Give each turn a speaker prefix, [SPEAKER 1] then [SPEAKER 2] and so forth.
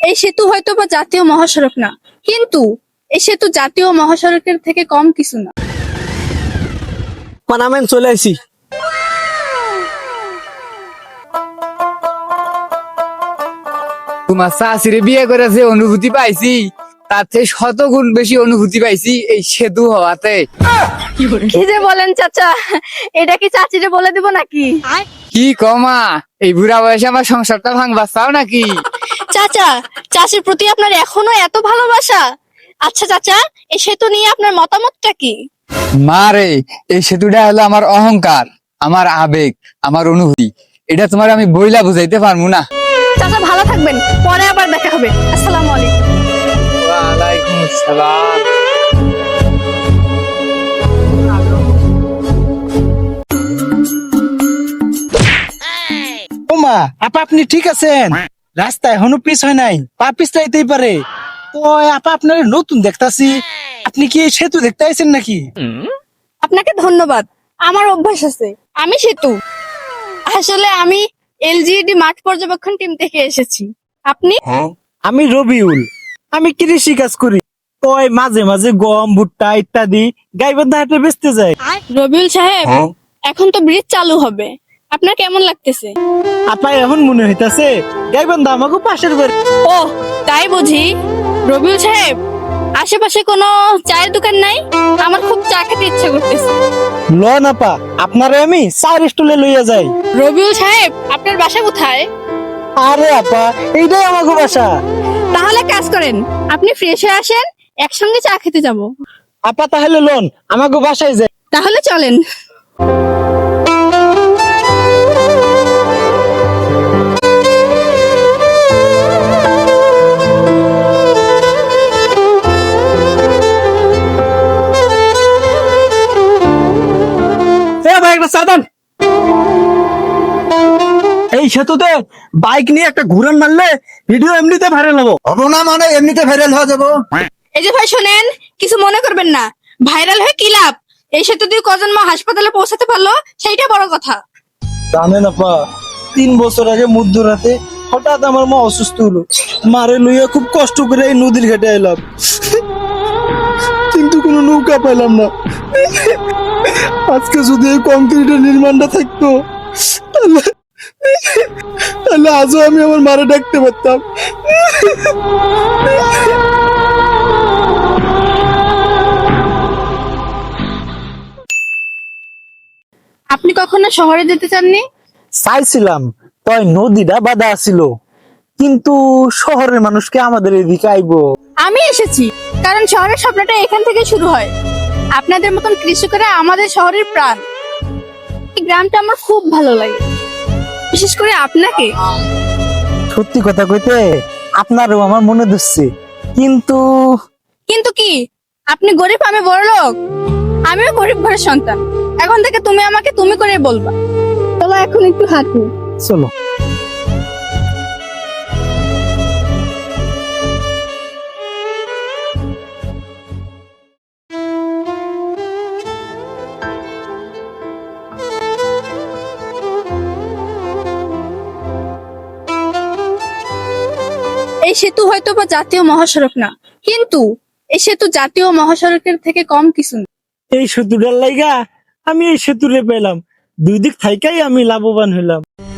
[SPEAKER 1] এই সেতু হয়তো বা জাতীয় মহাসড়ক না, কিন্তু এই সেতু জাতীয় মহাসড়কের থেকে কম কিছু না।
[SPEAKER 2] পানামেন চলে আইছি।
[SPEAKER 3] তোমার শাশুড়ি বিয়ে করে যে অনুভূতি পাইছি তার থেকে শতগুণ বেশি অনুভূতি পাইছি এই সেতু হওয়াতে।
[SPEAKER 1] কি যে বলেন চাচা, এটা কি চাচিরে বলে দিব নাকি?
[SPEAKER 3] কি কমা, এই বুড়া বয়সে আমার সংসারটা ভাঙবা চাও নাকি?
[SPEAKER 1] চাচা, চাচির প্রতি আপনার এখনো এত ভালোবাসা? আচ্ছা চাচা, এই সেতু নিয়ে আপনার মতামতটা কি?
[SPEAKER 3] মারে, এই সেতুটা হলো আমার অহংকার, আমার আবেগ, আমার অনুভূতি। এটা তোমার আমি বইলা বুঝাইতে পারবো না।
[SPEAKER 1] চাচা ভালো থাকবেন, পরে আবার দেখা হবে। আসসালামু আলাইকুম।
[SPEAKER 3] ওয়ালাইকুম আসসালাম।
[SPEAKER 2] ওমা আপা, আপনি ঠিক আছেন? রাস্তা এখনো পিছ হয় নাই, পা পিছলাইতেই পারে। তো আপা, আপনার নতুন দেখতাছি, আপনি কি এই সেতু দেখতে আইছেন নাকি?
[SPEAKER 1] আপনাকে ধন্যবাদ। আমার অভ্যাস আছে, আমি সেতু। আসলে আমি এলজিইডি মাঠ পর্যবেক্ষণ টিম থেকে এসেছি। আপনি?
[SPEAKER 2] আমি রবিউল, আমি কৃষি কাজ করি। তো মাঝে মাঝে গম, ভুট্টা ইত্যাদি গাইবান্ধা হাটে বেচতে যাই।
[SPEAKER 1] রবিউল সাহেব, এখন তো ব্রিজ চালু হবে, আপনার কেমন লাগতেছে?
[SPEAKER 2] আপা, এখন মনে হইতাছে গাইবান্ধা আমাকে পাশের বাড়ি।
[SPEAKER 1] ও তাই বুঝি। রবিউল সাহেব, আশেপাশে কোনো চায়ের দোকান নাই? আমার খুব চা খেতে ইচ্ছে করতেছে।
[SPEAKER 2] লন আপা, আপনারে আমি চার স্টলে লইয়া যাই।
[SPEAKER 1] রবিউল সাহেব, আপনার বাসা কোথায়?
[SPEAKER 2] আরে আপা, এইটাই আমাকে বাসা।
[SPEAKER 1] তাহলে কাজ করেন, আপনি ফ্রেশ হয়ে আসেন, একসঙ্গে চা খেতে যাব।
[SPEAKER 2] আপা তাহলে লন, আমাকে বাসায় যাই।
[SPEAKER 1] তাহলে চলেন।
[SPEAKER 2] ভাই, একটা চা দেন। এই সেতুতে বাইক নিয়ে একটা ঘুরান মারলে ভিডিও এমনিতে ভাইরাল হবো।
[SPEAKER 4] হবো না মানে এমনিতে ভাইরাল হয়ে যাবো।
[SPEAKER 1] এই যে ভাই শোনেন, কিছু মনে করবেন না, ভাইরাল হয়ে কি লাভ? এই সেতু দিয়ে কজন মা হাসপাতালে পৌঁছাতে পারলো, সেইটা বড় কথা।
[SPEAKER 2] জানেন আপা, 3 বছর আগে মধ্যরাতে হঠাৎ আমার মা অসুস্থ হলো। মারে লইয়া খুব কষ্ট করে এই নদীর ঘাটে এলাম, কিন্তু কোনো নৌকা পাইলাম না। আজকে যদি এই কংক্রিটের নির্মাণটা থাকতো, তাহলে তাহলে আজও আমি আমার মারে ডাকতে পারতাম।
[SPEAKER 1] আপনি কখনো শহরে যেতে চাননি?
[SPEAKER 2] চাইছিলাম, তাই নদীটা বাধা ছিল, কিন্তু শহরের মানুষকে আমাদের এদিকে আইবো।
[SPEAKER 1] আমি এসেছি, কারণ শহরের স্বপ্নটা এখান থেকে শুরু হয়। আপনাদের মতন কৃষকেরা আমাদের শহরের প্রাণ। এই গ্রামটা আমার খুব ভালো লাগে, বিশেষ করে আপনাকে।
[SPEAKER 2] সত্যি কথা কইতে আপনারও আমার মনে ধরছে, কিন্তু
[SPEAKER 1] কিন্তু কি? আপনি গরিব, আমি বড়লোক। আমিও গরিব ঘরের সন্তান। এখন থেকে তুমি আমাকে তুমি করে বলবা। চলো এখন একটু হাঁটি।
[SPEAKER 2] চলো।
[SPEAKER 1] এই সেতু হয়তো বা জাতীয় মহাসড়ক না, কিন্তু এই সেতু জাতীয় মহাসড়কের থেকে কম কিছু না।
[SPEAKER 2] এই সেতুটার লাইগা আমি এই সেতুরে পেলাম, দুই দিক থাইকাই আমি লাভবান হইলাম।